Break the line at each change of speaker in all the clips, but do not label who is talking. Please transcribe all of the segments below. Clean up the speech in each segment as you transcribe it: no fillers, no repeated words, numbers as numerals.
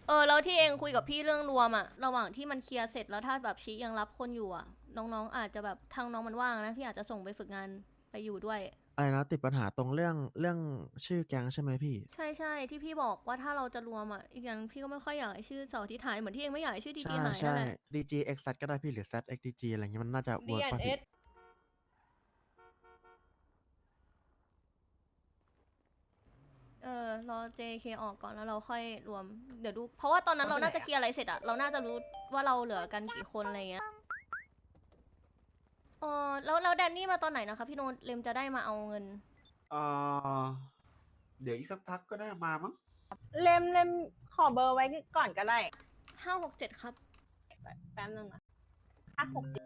แล้วที่เองคุยกับพี่เรื่องรวมอะระหว่างที่มันเคลียร์เสร็จแล้วถ้าแบบชี้ยังรับคนอยู่อะน้องๆอาจจะแบบทางน้องมันว่างนะพี่อาจจะส่งไปฝึกงานไปอยู่ด้วย
อะไรนะติดปัญหาตรงเรื่องชื่อแก๊งใช่ไหมพี่
ใช่ใช่ที่พี่บอกว่าถ้าเราจะรวมอะอีกอย่างพี่ก็ไม่ค่อยอยากให้ชื่อเสาร์อาที่หายเหมือนที่เองไม่อยากให้ชื่อดี
ใช่
จีหาย
ใช่
นั่นแหละ
DG X Z ก็ได้พี่หรือ ZXDG อะไรเงี้ยมันน่าจะเวิร์กป่ะพี่
D&S รอ JK ออกก่อนแล้วเราค่อยรวมเดี๋ยวดูเพราะว่าตอนนั้นเราน่าจะเคลียร์อะไรเสร็จอะเราน่าจะรู้ว่าเราเหลือกันกี่คนอะไรเงี้ยแล้วแดนนี่มาตอนไหนนะคะพี่โนตเลมจะได้มาเอาเงิน
เอ่อเดี๋ยวอีกสักพักก็ได้มามั้ง
เล่มขอเบอร์ไว้ก่อนก็ได้
567ครับ
แป๊บนึงนะ567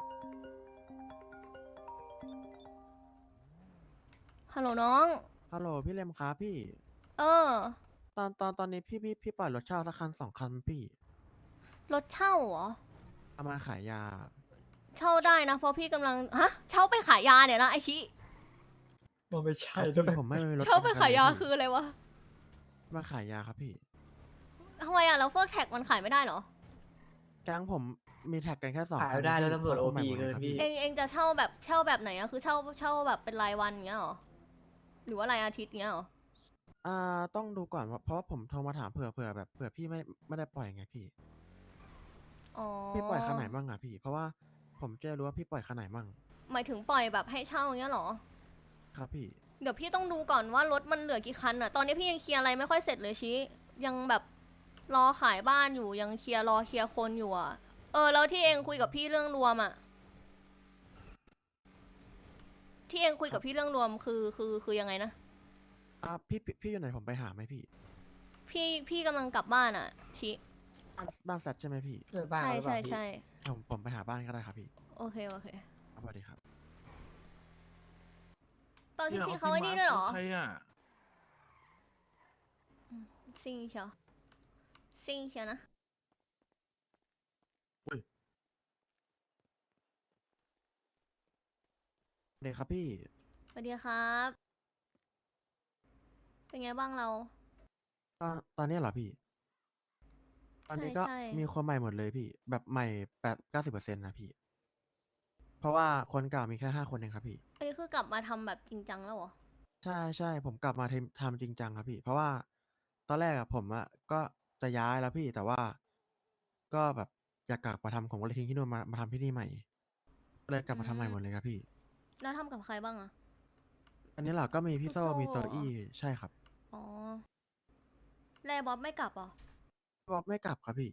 ฮัลโหลน้อง
ฮัลโหลพี่เลมครับพี่
เออ
ตอนนี้พี่ปล่อยรถเช่าสักคันสองคันไหมพี่
รถเช่าเหรอ
เอามาขายยา
เช่าได้นะเพราะพี่กำลังฮะเช่าไปขายยาเนี่ยนะไอชิ
มันไม่ใช่
ครับ
ด้วย
พี่ผมไม่มีรถ
เช่าไป
เป็นคัน
ขายยา
เลยพี่
คืออะไรวะ
มาขายยาครับพี่
ทำไมอะแล้วพวกแท็กมันขายไม่ได้เหรอ
แก๊งผมมีแท็กกันแค่สอง
ขาย
คัน
ไม่ได้แล้ว
พี่
ตำรวจโอ
เข้าคนใหม่
พี
หมดเลยครับพี่
เกินพี่
เองจะเช่าแบบไหนอะคือเช่าแบบเป็นรายวันอย่างเงี้ยเหรอหรือว่ารายอาทิตย์เงี้ยเหรอ
ต้องดูก่อนเพราะว่าผมโทรมาถามเผื่อแบบเผื่อพี่ไม่ได้ปล่อยไงพี่
อ๋อ
พี่ปล่อยคันไหนบ้างอะพี่เพราะว่าผมจะรู้ว่าพี่ปล่อยคันไหนบ้าง
หมายถึงปล่อยแบบให้เช่าอย่างเงี้ยเหรอ
ครับพี่
เดี๋ยวพี่ต้องดูก่อนว่ารถมันเหลือกี่คันอะตอนนี้พี่ยังเคลียร์อะไรไม่ค่อยเสร็จเลยชิยังแบบรอขายบ้านอยู่ยังรอเคลียร์คนอยู่อะแล้วที่เองคุยกับพี่เรื่องรวมอะที่เองคุย
ครับ
กับพี่เรื่องรวมคือยังไงนะ
พี่อยู่ไหนผมไปหาไหมพี่
พี่กำลังกลับบ้านอะชิ
บ้านแซดใช่ไหมพี่
เพื่อนบ้าน
ใช่
เขาหรือเปล่าพี่
ใช่ใช่
ผมไปหาบ้านก็ได้ครับพี่
โอเคโอเค
สวัสดีครับ
ตอนที่
เนี่ย
ชิ
เอา
เขาไอ้นี่ด้วยเหรอ
ใครอ่ะ
ซิงเชียวซิงเชียวนะ
อุ้ย
เด็กครับพี่
สวัสดีครับเป็นไงบ้างเรา
ตอนนี้เหรอพี่ตอน
ใช่
นี้ก็
ใช่
มีคนใหม่หมดเลยพี่แบบใหม่90%นะพี่เพราะว่าคนเก่ามีแค่5 คนเองครับพี่
อันนี้คือกลับมาทำแบบจริงจังแล้วเหรอ
ใช่ผมกลับมาทำจริงจังครับพี่เพราะว่าตอนแรกอะผมอะก็จะย้ายแล้วพี่แต่ว่าก็แบบอยากกลับมาทำผมก็เลยทิ้งที่นู่นมาทำที่นี่ใหม่ก็เลยกลับ
อื
มาทำใหม่
ม
หมดเลยครับพี่
แล้วทำกับใครบ้างอะ
อันนี้เหรอก็มีพี่โซ่
พี่โซ่
มีโซ
เหรอ
อี้ใช่ครับ
อ๋อแลบ๊อบไม่กลับเหรอ
บ๊อบไม่กลับครับพี่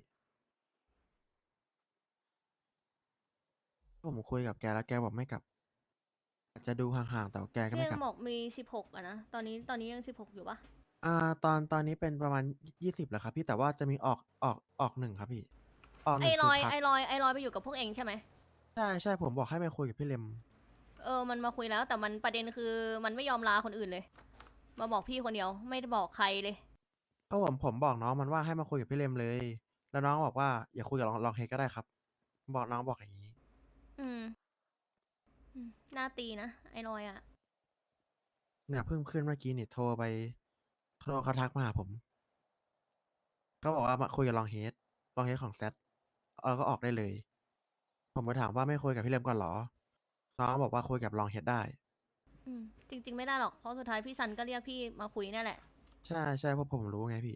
ผมคุยกับแกแล้วแกบอกไม่กลับอาจจะดูห่างๆแต่ว่าแกก็
ที่ยัง
ไม่กลับ
บอกมี16อะนะตอนนี้ยัง16อยู่ปะ
ตอนนี้เป็นประมาณ20แล้วครับพี่แต่ว่าจะมีออก1ครับพี่ออกหนึ่งคือพัก
ไอรอยไปอยู่กับพวกเองใช่ไหม
ใช่ผมบอกให้ไปคุยกับพี่เลม
มันมาคุยแล้วแต่มันประเด็นคือมันไม่ยอมลาคนอื่นเลยมาบอกพี่คนเดียวไม่ได้บอกใครเลย
เพราะผมบอกน้องมันว่าให้มาคุยกับพี่เลมเลยแล้วน้องบอกว่าอย่าคุยกับลองเฮดก็ได้ครับบอกน้องบอกอย่างนี้
อืมหน้าตีนะไอรอยอะ
เนี่ยเพิ่งขึ้นเมื่อกี้นี่โทรเขาทักมาหาผมเขาบอกว่ามาคุยกับลองเฮดของแซดก็ออกได้เลยผมไปถามว่าไม่คุยกับพี่เลมก่อนเหรอน้องบอกว่าคุยกับลองเฮดได้
จริงๆไม่ได้หรอกเพราะสุดท้ายพี่ซันก็เรียกพี่มาคุยนั่นแหละ
ใช่เพราะผมรู้ไงพี่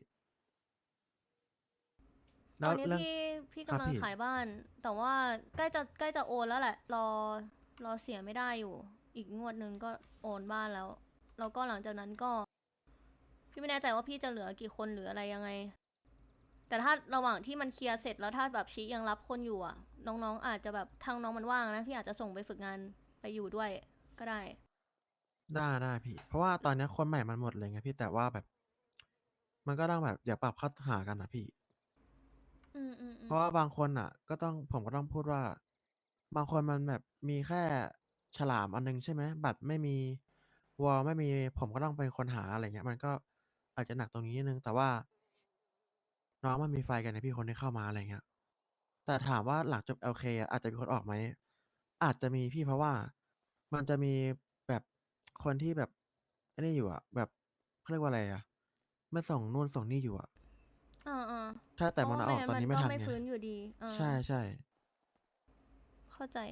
ตอนนี้
แล้วเรื่อง
พี่
ครับ
กำลัง
พี่
ขายบ้านแต่ว่าใกล้จะโอนแล้วแหละรอเสียไม่ได้อยู่อีกงวดหนึ่งก็โอนบ้านแล้วก็หลังจากนั้นก็พี่ไม่แน่ใจว่าพี่จะเหลือกี่คนหรืออะไรยังไงแต่ถ้าระหว่างที่มันเคลียร์เสร็จแล้วถ้าแบบชี้ยังรับคนอยู่อ่ะน้องๆอาจจะแบบทางน้องมันว่างนะพี่อาจจะส่งไปฝึกงานไปอยู่ด้วยก็ได้
ได้พี่เพราะว่าตอนเนี้ยคนใหม่มันหมดเลยไงพี่แต่ว่าแบบมันก็ต้องแบบเดี๋ยวปรับเข้าหากันนะพี่เพราะว่าบางคนอ่ะผมก็ต้องพูดว่าบางคนมันแบบมีแค่ฉลามอันนึงใช่ไหมบัตรไม่มีวอลไม่มีผมก็ต้องเป็นคนหาอะไรเงี้ยมันก็อาจจะหนักตรงนี้นิดนึงแต่ว่าน้องมันมีไฟกันนะพี่คนที่เข้ามาอะไรเงี้ยแต่ถามว่าหลังจบ LK อะอาจจะมีคนออกไหมอาจจะมีพี่เพราะว่ามันจะมีแบบคนที่แบบไอ้นี่อยู่อะแบบเขาเรียกว่าอะไรอะไม่ส่งนู่นส่งนี่อยู่อะ
อ่าอ่า
ถ้าแต่มันเอาออกตอนนี้ไม่ทัน
ไม่
ไง
ฟื้นอยู่ดีอ่า
ใช่ใช่
เข้าใจ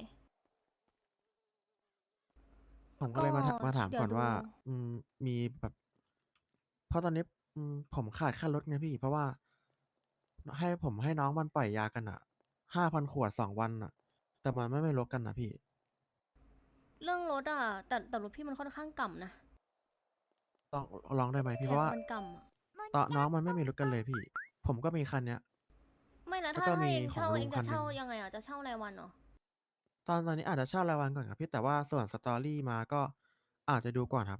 ผมก็เลยมาถาม
เดี๋ยว
ก่อนว่า
ดู
มีแบบ เพราะตอนนี้ผมขาดค่ารถไงพี่ เพราะว่า ให้น้องมันปล่อยยากันอะ5,000 ขวด2 วันอะแต่มันไม่ลดกันนะพี่
เรื่องรถอ่ะแต่รถพี่มันค่อนข้างก่ำนะ
ลองได้ไหมพี่
แท็
เพ
ก
ราะว่า
มันก่ำอ่ะ
ตอนน้องมันไม่มีรถกันเลยพี่ ผมก็มีคันเนี้ย
ไม่แล้ว
แล้ว
ถ้า
ก็มี
เอง
ของ
เช่า
ลุ
เอง ง
คั
จะ
นหนึ่ง
เช่ายังไงอ่ะจะเช่ารายวันเหรอ
ตอนนี้อาจจะเช่ารายวันก่อนครับพี่ แต่ว่าส่วนสตอรี่มาก็อาจจะดูก่อนครับ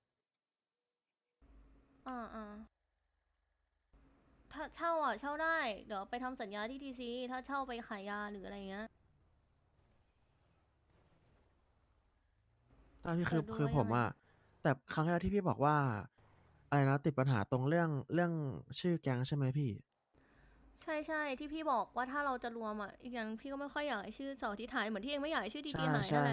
อ่าอ่าถ้าเช่าอ่ะเช่าได้ เดี๋ยวไปทำสัญญาที่ทีซีถ้าเช่าไปขายยาหรืออะไรเงี้ย
ตอนพี่
เดี๋ยวดู
คือ
ว่า
ผ
ยั
ม
งไง
อะแต่ครั้งแรกที่พี่บอกว่า อะไรนะ ติดปัญหาตรงเรื่องชื่อแก๊งใช่ไหมพี่
ใช่ใช่ที่พี่บอกว่าถ้าเราจะรวมอ่ะ อีกอย่างพี่ก็ไม่ค่อยอยากให้ชื่อเสาร์อาที่หายเหมือนที่เองไม่อยากให้ชื่อที
ใช่
ทีหายนั่
ใช่
นแหละ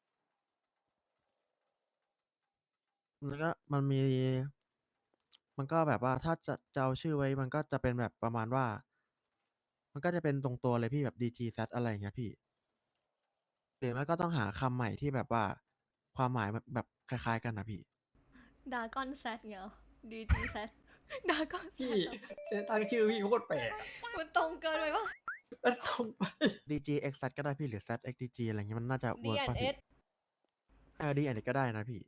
แล้วก็มันก็แบบว่าถ้าจะเอาชื่อไว้มันก็จะเป็นแบบประมาณว่า มันก็จะเป็นตรงตัวเลยพี่แบบ DGZ อะไรอย่างเงี้ยพี่ หรือไม่ก็ต้องหาคำใหม่ที่แบบว่า ความหมายมันแบบคล้ายๆกันนะพี่
ดากอนแซดเงี้ยดีจีแซด ดากอนแซ
พี่
ด
แต่ตั้งชื่อพี่โคตรแปลกอะ
มันตรงเกินไปปะ
แล้วตรงไป
DGXZ ก็ได้พี่หรือ ZXDG อะไรเงี้ยมันน่าจะเวิร์กป่ะพี่
D&S
ดีอันนี้ก็ได้นะพี่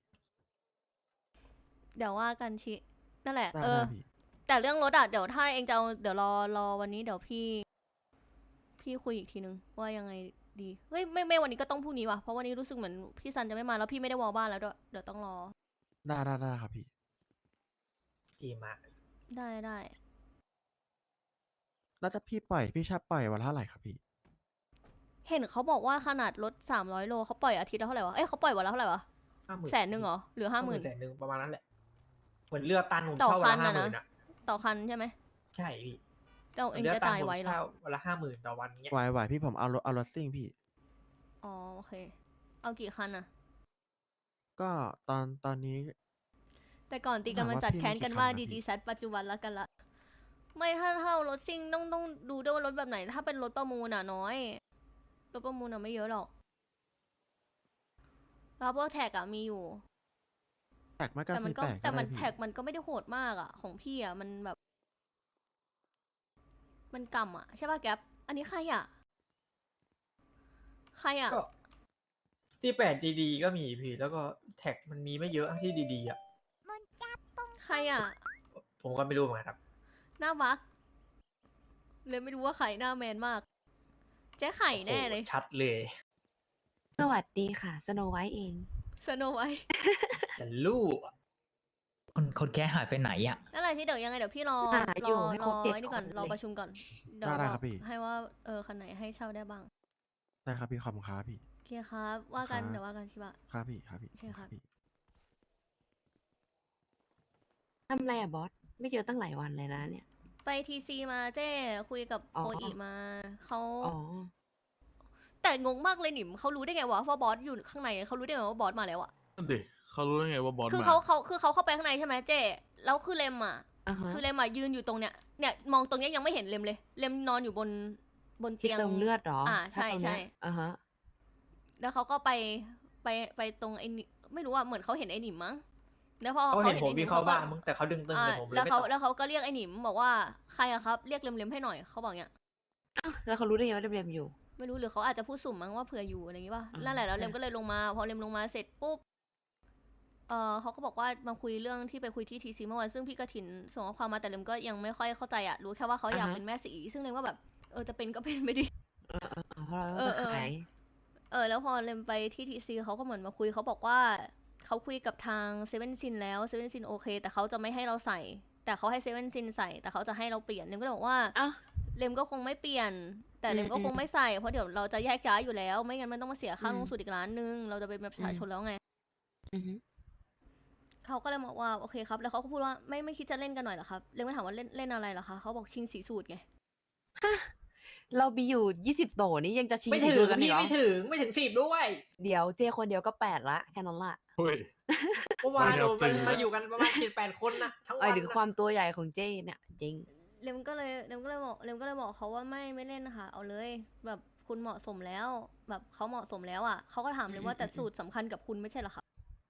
เดี๋ยวว่ากันชินั่นแหละ
ได้
เออ
ได้พี่
แต่เรื่องรถอ่ะ เดี๋ยวถ้าเองจะเอาเดี๋ยวรอวันนี้เดี๋ยวพี่คุยอีกทีนึงว่ายังไงดี เฮ้ยไม่วันนี้ก็ต้องพรุ่งนี้ว่ะ เพราะวันนี้รู้สึกเหมือนพี่ซันจะไม่มาแล้วพี่ไม่ได้วอลบ้านแล้วด้วย เดี๋ยวต้องรอ
ได้ครับพี่
ดีมาก
ได้
แล้วถ้าพี่ชอบปล่อยวันละเท่าไหร่ครับพี่
เห็นเขาบอกว่าขนาดรถ300 โลเขาปล่อยอาทิตย์ละเท่าไหร่วะ เอ้ยเขาปล่อยวันละเท่าไหร่วะ
50,000
100,000เหรอ หรือ
50,000
50,000
100,000ประมาณนั้นแหละ เหมือนเรือตันผม
ต่อ
เช่าวันละ
คันอะนะ
50,000อะ
ต่อคันใช่ไหม
ใช่พี่
เจ้าเอง
เรือ
จะ
ตัน
จ่าย
ผม
ไว้เหรอ
เช่าวันละ50,000ต่อวันเงี้ย
ไหวพี่ผมเอารถซิ่งพี่
อ๋อโอเค เอากี่คันอะ
ก็ตอนนี้
แต่ก่อนตีกัน
ถาม
มัน
ว่า
จัด
พี่
แค้น
มี
กัน
กี่
ว่า
คันนะพี่
DGZ ปัจจุบันละกันละ ไม่ถ้าเท่ารถซิ่งต้องดูด้วยว่ารถแบบไหน ถ้าเป็นรถประมูลอ่ะน้อย รถประมูลอ่ะไม่เยอะหรอก แล้วพวกแท็กอ่ะมีอยู่
แท็กมาก็
แต่มัน
48
ก็
ก็
แต่มัน
ได้พี่
แท็กมันก็ไม่ได้โหดมากอ่ะ ของพี่อ่ะมันแบบ มันกำอ่ะใช่ป่ะแก๊ปอันนี้ใครอ่ะ ใครอ่ะ
ก็48ดีๆก็มีพี่ แล้วก็แท็กมันมีไม่เยอะที่ดีๆอ่ะ
ใครอ่ะ
ผมก็ไม่รู้เหมือนกันครับ
หน้าบักเลยไม่รู้ว่าใครหน้าแมนมาก เจ๊ไข่แน่เลย
โอ้โหชัดเลย
สวัสดีค่ะ สโนไวท์เอง
สโนไว้
จะลู่อะ
คนแก้หายไปไหนอ่ะ
นั่นแหละที่เดี๋ยวยังไงเดี๋ยวพี่รอ
หาอยู่ให้ครบ
ไอ้นี่ก่อน
7 คน
รอ
เลย
ประชุมก่อน เดี๋ยว
ได้
บ
ค
อ
รั
ก
บพี่
ให้ว่าคันไหนให้เช่าได้บ้าง
ได้ครับพี่ขอบคุณครับพี่
โอเคครับ ว่ากัน
ครับ
เดี๋ยวว่ากันชิบะ
ครับพี่
โอเคครับ
พี่
ทำอะไรอะบอส ไม่เจอตั้งหลายวันเลยนะเนี่ย
ไปทีซีมาเจ้คุยกับ
อ๋อ
โคอีมาเขา
อ๋อ
แต่งงมากเลยหนิมเขารู้ได้ไงวะว่าบอสอยู่ข้างในเขารู้ได้ไงว่าบอสมาแล้วอะ
นั่นดิเขารู้ได้ไงว่าบอส
คือ
มา
เขาเข้าไปข้างในใช่ไหมเจ้แล้วคือเลมอะ
อ่าฮะ
คือเลมอะยืนอยู่ตรงเนี้ยเนี่ยมองตรงเนี้ยยังไม่เห็นเลมเลย เลมนอนอยู่บน
ที่
เตียง
เติมเลือดเหรอ
ใช่
ถ้าตรงเนี้ย
ใช่
อ่าฮะ
แล้วเขาก็ไปตรงไอ้นี่ไม่รู้อะเหมือนเขาเห็นไอ้หนิมมั้งแล้วพอ
เขาเห็นผม
ไอ้ห
วิ่
ม
งเข้า
ก็
บ้านมึงแต่เขาดึงตึงแต่ผมเลย
แล้ว
ไม่
เขา
ตอบ
แล้วเขาก็เรียกไอ้หนิมบอกว่าใครอะครับเรียกเลมให้หน่อยเขาบอกเนี้ย
อ้าวแล้วเขารู้ได้ไงว่าเรียมอยู่
ไม่รู้หรือเขาอาจจะพูดสุ่มมั้งว่าเผื่ออยู่อะไรอย่างงี้ป่ะ
อ่า
นั่นแหละแล้ว
ใช่
เลมก็เลยลงมาพอเลมลงมาเสร็จปุ๊บเขาก็บอกว่ามาคุยเรื่องที่ไปคุยที่ทีซีเมื่อวานซึ่งพี่กระถินส่งข้อความมาแต่เลมก็ยังไม่ค่อยเข้าใจอะรู้แค่ว่าเขาอยากเป็นแม่สีซึ่งเลมก็แบบจะเป็นก็เป็นไม่ดี
เพราะเรา
เออ
ก็ขาย
แล้วพอเลมไปที่ทีซีเขาก็เหมือนมาคุยเขาบอกว่าเขาคุยกับทางเซเว่นซินแล้วเซเว่นซินโอเค แต่เขาจะไม่ให้เราใส่ แต่เขาให้เซเว่นซินใส่แต่เขาจะให้เราเปลี่ยนเลมก็เลยบอกว่า
อ้าว
เลมก็คงไม่เปลี่ยน แต่เลมก็คงไม่ใส่เพราะเดี๋ยวเราจะแยกย้ายอยู่แล้ว ไม่งั้นมันต้องมาเสียค่าลงสูตรอีกล้านนึงเราจะเป็นประชาชนแล้วไง
อือฮึ
เขาก็เลยบอกว่าโอเคครับ แล้วเขาก็พูดว่าไม่คิดจะเล่นกันหน่อยเหรอครับเลมก็ถามว่าเล่นอะไรเหรอคะเขาบอกชิงสีสูตรไง
เรามีอยู่ 20 โตนี่ยังจะชิง
ไม่ถึ
สู
ง
กันอี
พี่
กเหรอ
ไม่ถึง10ด้วย
เดี๋ยวเจคนเดียวก็ 8 ละ แค่นั้นละ
เฮ้ย
เมื่อวาน
ไม่ได้
โดน
ตึง
มาอยู่กันประมาณ7-8 คนนะทั้งวั
ไอ้
น
ถึงความตัวใหญ่ของเจเนี่ยจริง
เลมก็เลยบอกเขาว่าไม่เล่นค่ะเอาเลย แบบคุณเหมาะสมแล้ว แบบเขาเหมาะสมแล้วอ่ะเขาก็ถามเลยว่าแต่สูตรสำคัญกับคุณไม่ใช่เหรอคะ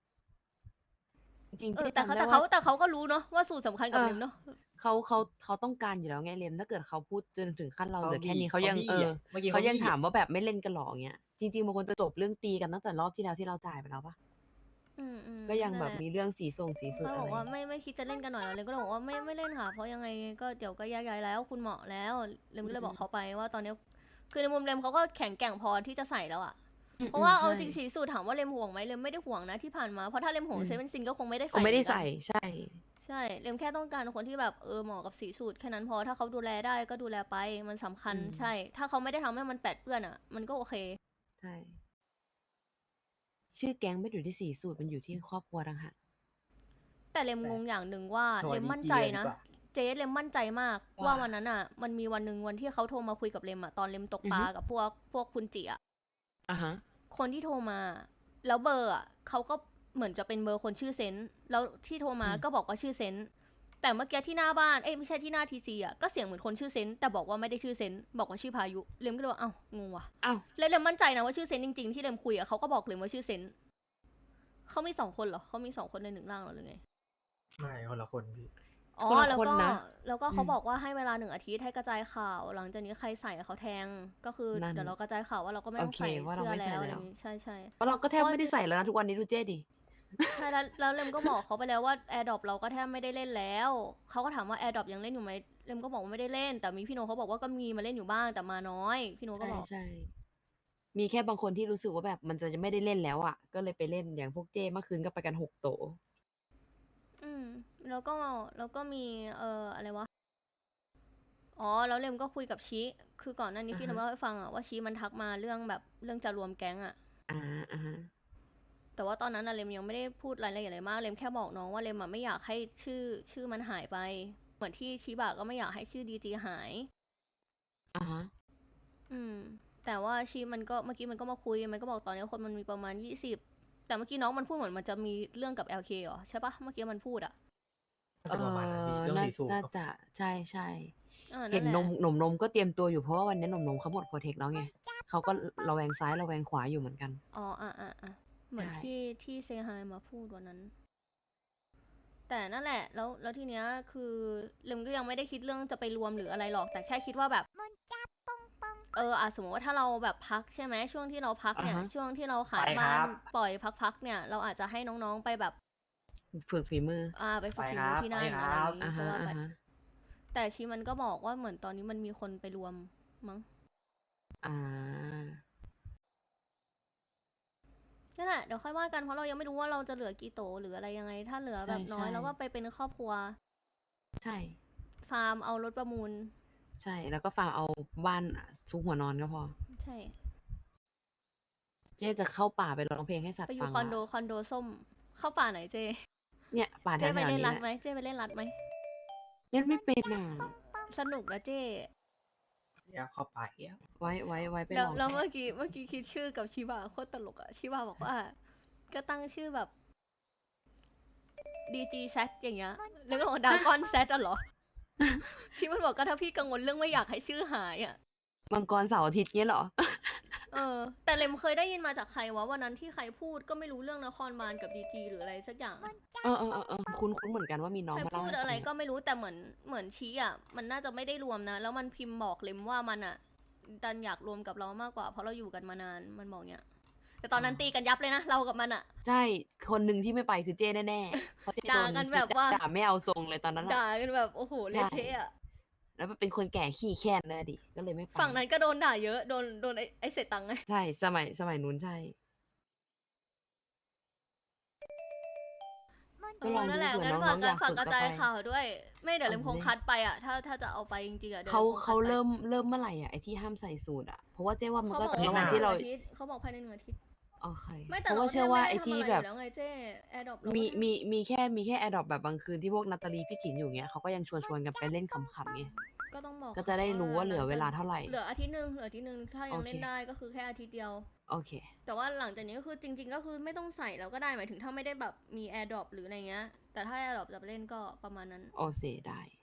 จริงๆ
เออ
ที่
แต่
จำได้
เขา
ว่า
แต่เขาก็รู้เนาะว่าสูตรสำคัญกับเลมเนาะ
เขาต้องการอยู่แล้วไงเลมถ้าเกิดเขาพูดจนถึงขั้นเราเหลือแค่นี้เขายัง
เขาบี้อะเมื่อกี้
เขายัง
บี้อะ
ถามว่าแบบไม่เล่นกันหรอเงี้ยจริงๆบางคนจะจบเรื่องตีกันตั้งแต่รอบที่แล้วที่เราจ่ายไปแล้วปะ
อืม
ก็ยังแบบ
นั่นหละ
มีเรื่องสีส่งสีสุด
เขา
อะ
บ
ไร
อกว่าไม่คิดจะเล่นกันหน่อยเหรอเลมก็เลยบอกว่าไม่เล่นค่ะ เพราะยังไงก็เดี๋ยวก็แยกย้ายแล้ว คุณเหมาะแล้วเลมก็เลยบอกเขาไปว่าตอนนี้คือในมุมเลมเขาก็แข็งแกร่งพอที่จะใส่แล้วอ่ะ เพราะว่าเอาจริงสีสูตรถามว่าเลมห่วงไหมเลมไม่ได้ห่วงนะที่ผ่านมาเพราะถ้าเลมห่วงเซเว่นซินก็คงไม่ได้ใส่
เขาไม่ได้
เหอนกัน
ใส่ใช่
ใช่เลมแค่ต้องการคนที่แบบเหมาะกับสีสูตรแค่นั้นพอถ้าเขาดูแลได้ก็ดูแลไปมันสำคัญใช่ ถ้าเขาไม่ได้ทำให้มันแปดเปื้อนอ่ะ มันก็โอเค
ใช่ชื่อแก๊งไม่ได้อยู่ที่สีสูตรมันอยู่ที่ครอบครัวต่างหาก
แต่เลมงงอย่างหนึ่งว่า
โทร
เลม
ดี
มั่น
จี
ใจ
เลยดี
นะ
กว่า
เจ๊เลมมั่นใจมาก
ว่า
ว่าวันนั้นอ่ะ มันมีวันหนึ่งวันที่เขาโทรมาคุยกับเลมอ่ะตอนเลมตกปลา
อือฮึ
กับพวกคุณจิอ่ะ
อ่ะฮะ
คนที่โทรมา แล้วเบอร์อ่ะเขาก็เหมือนจะเป็นเบอร์คนชื่อเซนต์แล้วที่โทรมา
อืม
ก็บอกว่าชื่อเซนต์แต่เมื่อกี้ที่หน้าบ้านไม่ใช่ที่หน้าทีซีอ่ะก็เสียงเหมือนคนชื่อเซนต์แต่บอกว่าไม่ได้ชื่อเซนต์บอกว่าชื่อพายุเลมก็เลยว่าเอ้างงว่ะ
อ้าว
แล้วเลมมั่นใจนะว่าชื่อเซนต์จริงๆที่เลมคุยอ่ะเขาก็บอกเลมว่าชื่อเซนต์เขามี2 คนเหรอเขามี2 คนใน1 ร่างเหรอหรือไง
ไม่คนละคนพี่
อ๋อ
คนละ
แล้ว
คน
ก็
นะ
แล้วก็เขา
อืม
บอกว่าให้เวลา1 อาทิตย์ให้กระจายข่าว หลังจากนี้ใครใส่เขาแทงก็คือ
นั่น
เดี๋ยวเรากระจายข่าวว่าเราก็ไม่ต้อง
โอเค
ใส่
ว่าเรา
เสื้อ
ไม่ใส่
แล้วอะไร
แล้
อ
ว
ย่างงี้ใช่ใช่
เพราะเราก็แทบไม่ได้ใส่แล้วนะทุกวันนี้ดูเจ๊ดิ
ใช่แล้วเลมก็บอกเขาไปแล้วว่าแอร์ดรอปเราก็แทบไม่ได้เล่นแล้วเขาก็ถามว่าแอร์ดรอปยังเล่นอยู่ไหมเลมก็บอกว่าไม่ได้เล่น แต่มีพี่โนเขาบอกว่าก็มีมาเล่นอยู่บ้างแต่มาน้อยพี่โนก็
ใช่
บอก
ใช่ มีแค่บางคนที่รู้สึกว่าแบบมันจะไม่ได้เล่นแล้วอ่ะ ก็เลยไปเล่นอย่างพวกเจ้เมื่อคืนก็ไปกัน6 โต
อืมแล้วก็มีอะไรวะอ๋อแล้วเลมก็คุยกับชิคือก่อนหน้านี้ที่
อ่า
เรา
ฮะ
เล่าให้ฟังอะว่าชิมันทักมาเรื่องจะรวมแก๊งอะ
อ่าอ่าฮะ
แต่ว่าตอนนั้นอะเลมยังไม่ได้พูดรายละเอียดอะไรมากเลมแค่บอกน้องว่าเลมอะไม่อยากให้ชื่อมันหายไป เหมือนที่ชิบะก็ไม่อยากให้ชื่อดีจีหาย
อ่าฮะ
แต่ว่าชิมันก็เมื่อกี้มันก็มาคุยมันก็บอกตอนนี้คนมันมีประมาณ20แต่เมื่อกี้น้องมันพูดเหมือนมันจะมีเรื่องกับ LK เหรอใช่ปะเมื่อกี้มันพูดอะ
น่าจะประมาณนั้นพี่เรื่อง
น่า
สีสูตร
น่า
เนอะ
จะใช่ใช่
นั่น
เห็น
แหละ
นมก็เตรียมตัวอยู่เพราะว่าวันนี้นมเขาหมดโปรเทคแล้วไงเขาก็ระแวงซ้ายระแวงขวาอยู่เหมือนกัน
อ๋อเหมือน
ใช่
ที่เซฮายมาพูดวันนั้น แต่นั่นแหละแล้วทีเนี้ยคือเลมก็ยังไม่ได้คิดเรื่องจะไปรวมหรืออะไรหรอก แต่แค่คิดว่าแบบสมมติว่าถ้าเราแบบพักใช่ไหมช่วงที่เราพักเนี่ย
อ่าฮะ
ช่วงที่เราขาย
ไปค
บ้า
รั
น
บ
ปล่อยพักเนี่ย เราอาจจะให้น้องๆไปแบบ
ฝึกฝีมือ
ไปฝึก
ไป
ฝี
ค
มื
รั
อบ ที่นั่น
ไป
อะไร
ครับ
อย่าง
อ่า
งี้ก็
ฮะ
ว่า
อ่า
ไป
ฮะ
แต่ชีมันก็บอกว่าเหมือนตอนนี้มันมีคนไปรวมมั้ง
อ่า
นั่นแหละเดี๋ยวค่อยว่ากันเพราะเรายังไม่รู้ว่าเราจะเหลือกี่โตหรืออะไรยังไง ถ้าเหลือแบบน้อย
ใช่
เราก็ไปเป็นครอบครัว
ใช่
ฟาร์มเอารถประมูล
ใช่ แล้วก็ฝากเอาบ้านซุกหัวนอนก็พอ
ใช่
เจ๊จะเข้าป่าไปร้องเพลงให้สัต
ไป
ว์
อ
ฟั
ยู่
ง
คอนโด
ว่ะ
คอนโดส้ม เข้าป่าไหนเจ
เนี่ยป่าแถ
เจ
ว
ไป
ๆ
เล่น
นี้
รัด
แห
ไหม
ละ
เจไปเล่นรัดไหม
เล่นไม่เป็นอ่ะ
สนุกนะเจ
อยากเข้าไปอ่ะ
ไว้ไป
แล้ว
ลอง
แล้วเมื่อกี้คิดชื่อกับชิบะโคตรตลกอะชิบะบอกว่า ก็ตั้งชื่อแบบDG Z อย่างเงี้ยแล้วก็บอกดากอนแซดอะเหรอ ชิมันบอกก็ถ้าพี่กังวลเรื่องไม่อยากให้ชื่อหายอะ
มังกรเสาร์อาทิตย์เงี้ยเหรอ
แต่เลมเคยได้ยินมาจากใครวะวันนั้นที่ใครพูดก็ไม่รู้เรื่องนครบาลกับดีจีหรืออะไรสักอย่าง
คุ้นเหมือนกันว่ามีน้อง
ใคร
มาเล่า
พูด
ให้
อะไร
ฟัง
ก็ไม่รู้แต่เหมือนชี้อ่ะมันน่าจะไม่ได้รวมนะ แล้วมันพิมพ์บอกเลมว่ามันอ่ะ ดันอยากรวมกับเรามากกว่าเพราะเราอยู่กันมานานมันบอกเนี้ยแต่ตอนนั้นตีกันยับเลยนะเรากับมันอ่ะ
ใช่คนหนึ่งที่ไม่ไปคือเจ้แน่ๆเพราะเจ้
ด่ากันแบบว่า
ด่าไม่เอาทรงเลยตอนนั้นอะ
ด่ากันแบบโอ้โหเละเทะอ่ะ
แล้วเป็นคนแก่ขี้แค้นเลยดิก็เลยไม่ไป
ฝั่งนั้นก็โดนด่าเยอะโดนไอ้เสร็จตังค์ไง
ใช่สมัยนู้นใช่ ก็ลองดู
นั่นแหละ
เผื่อ
งั้น
น้
ฝา
อก งๆอยาก
ฝาก
ฝึก
กระ
ก็
จาย
ไป
ข่าวด้วย ไม่เดี๋ยวเลม
เอา
คง
สิ
คัดไปอ่ะถ้าจะเอาไปจริงๆอ่ะดี๋ยว
เขา
ลมคงคัด
เขา
ไป
เริ่มเมื่อไหร่อ่ะไอที่ห้ามใส่สูตรอ่ะเพราะว่าเจ้ว่ามัน
เขา
ก็
บอก
ระห
ว่า
ว่าง
ภายใน
ที่
ห
เรา
นึ่งอาทิตย์เขาบอกภายใน1 อาทิตย์
โอเค
ไม่แต่
เพราะ
เรา
ว่าเชื่อว่าไอ
ไม่ได้
ที่
ทำะร
แบบ
ยู่แล้วไงเจ้แอร์ดรอป
มีแค่แอดดอปแบบบางคืนที่พวกนาตาลีพี่ขินอยู่เงี้ยเขาก็ยังชวนกันไปเล่นขำๆไง
ก็ต้องบอก
ก็จะได้รู้ว่าเหลือเวลาเท่าไหร่
เหลืออาทิตย์หนึงถ้ายัง
โอเค
เล่นได้ก็คือแค่อาทิตย์เดียว
โอเค
แต่ว่าหลังจากนี้ก็คือจริง ๆ ก็คือไม่ต้องใส่แล้วก็ได้หมายถึงถ้าไม่ได้แบบมีแอร์ดรอปหรืออะไรเงี้ยแต่ถ้าแอร์ดรอปจะไปเล่นก็ประมาณนั้น
โอเซได้